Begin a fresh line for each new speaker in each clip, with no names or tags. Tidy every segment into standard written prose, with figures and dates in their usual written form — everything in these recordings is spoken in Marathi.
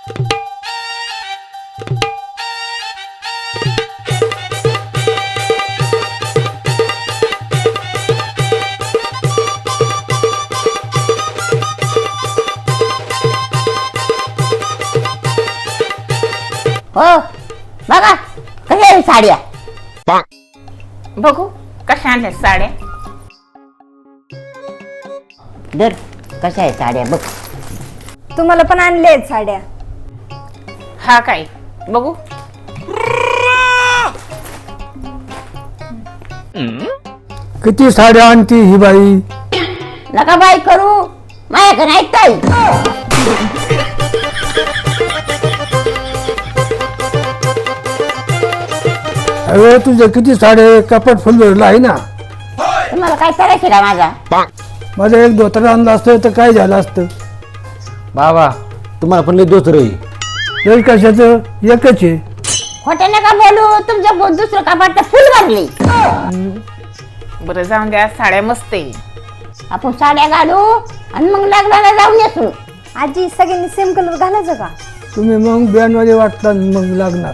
हो बघा कशा आहे साड्या.
बघू कशा आणल्या साड्या.
दर कशा आहे साड्या बघ.
तुम्हाला पण आणले आहेत साड्या.
हा काय बघू.
किती साड्या आणती ही बाई.
नका बाई करू माझ्याकडे नाही काही.
अरे तुझ्या किती साडे कपाट फुल भरलं आहे ना.
तुम्हाला काय करायचं का माझा.
माझं एक धोतर आणलं असतं तर काय झालं असतं.
बाबा तुम्हाला पण लई दोस्त रही
एक कशाचं एकच आहे.
खोटे नका बोलू. तुमच्या दुसरं कपाट फुल भरली.
बरं जाऊन द्या साड्या मस्त आहे.
आपण साड्या घालू आणि मग लग्नाला जाऊन येसू.
आजी सगळ्यांनी सेम कलर घालायचं का.
तुम्ही मग बँडवाले वाटतात मग लागणार.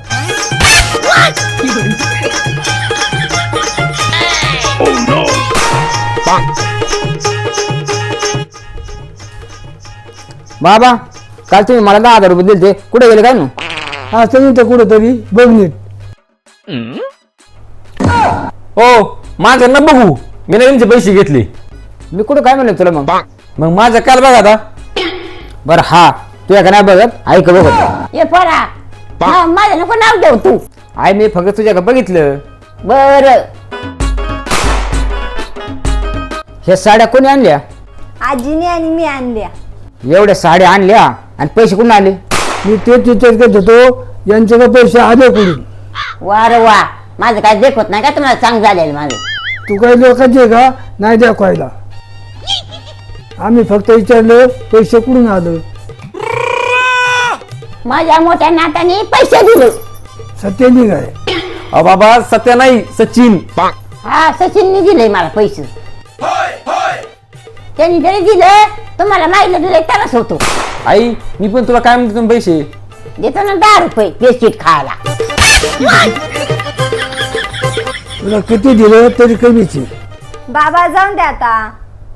बाबा काल तुम्ही मला 10,000 रुपये दिले ते कुठे गेले काय ना.
असं नाही तर कुठंतरी बघ नीट.
हो माझं ना बघू मी ना त्यांचे पैसे घेतले. मी कुठं काय म्हणलं तुला मग माझं काल बघा आता. बरं हा तुझ्या का नाही बघत ऐक बघत.
ये पोरा माझं नको नाव देऊ तू.
आई मी फक्त तुझ्या का बघितलं.
बर
ह्या साड्या कोणी आणल्या.
आजीने आणि मी आणल्या.
एवढ्या साड्या आणल्या आणि पैसे कुठून आले.
मी तेच विचार करत होतो यांच्याकडे पैसे आले कुठून.
वार वा माझं काय देखत नाही का तुम्हाला चांग झालेलं माझं.
तू काही लोकांचे का नाही दाखवायला. आम्ही फक्त विचारलं पैसे कुठून आलं.
माझ्या मोठ्या नाताने पैसे दिले.
सत्यानी काय.
अहो बाबा सत्या नाही सचिन.
हा सचिनने दिले मला पैसे. त्यांनी जरी दिलं तुम्हाला माहिती दिलं त्यालाच होतो.
आई मी पण तुला काय म्हणतो तुम्ही पैसे
देतो ना 10 रुपये बिस्किट खायला.
तुला किती दिलं तरी कमीच आहे.
बाबा जाऊन द्या आता.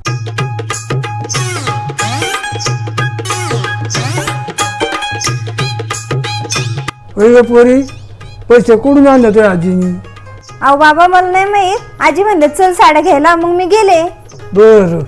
पहिले पोरी पैसे कुठून आणले तुझ्या आजीनी.
अहो बाबा मला नाही माहित. आजी म्हणले चल साड्या घ्यायला मग मी गेले.
बर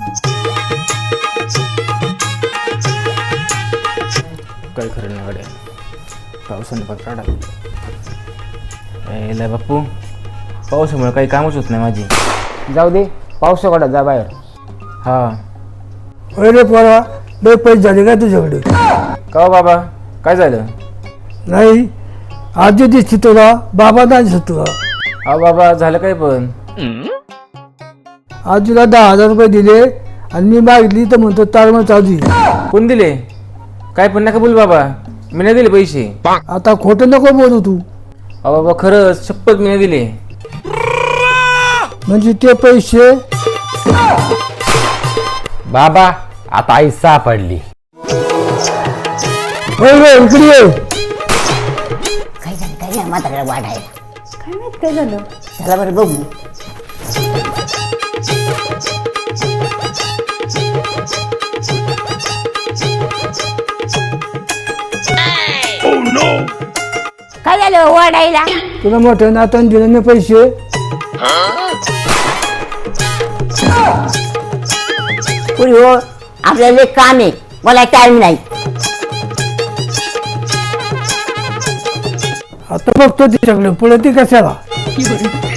काय खरं नाही गाड्या पावसाने पण काढा. यायला बाप्पू पावसामुळे काही कामच होत नाही माझी. जाऊ दे पावसा काढा जा बाहेर. हा
पहिले पोरा लय पैसे झाले का तुझ्याकडे.
का बाबा काय झालं.
नाही आजी दिसती तुला बाबा नाही दिसत तुला.
हा बाबा झालं काय पण.
आजीला 10,000 रुपये दिले आणि मी मागितली तर म्हणतो तारमळ चालू आहे.
कोण दिले काय पण नका बोल बाबा मी नाही दिले पैसे.
आता खोटं नको बोलू तू.
अहो बाबा खरंच शपथ मी नाही दिले.
म्हणजे ते पैसे
बाबा आता आई सापडली.
होय रे इकडे ये.
काय झालं काय झालं म्हाताऱ्याला वाढायला.
काय माहित काय झालं.
चला बरं बघू. काय झालं वाढायला.
तुला मोठ्या नाताने दिले ना पैसे.
पुरी हो आपल्याला एक काम आहे मला टाइम नाही.
आता बघतो तिच्याकडे पुढे ती कशाला.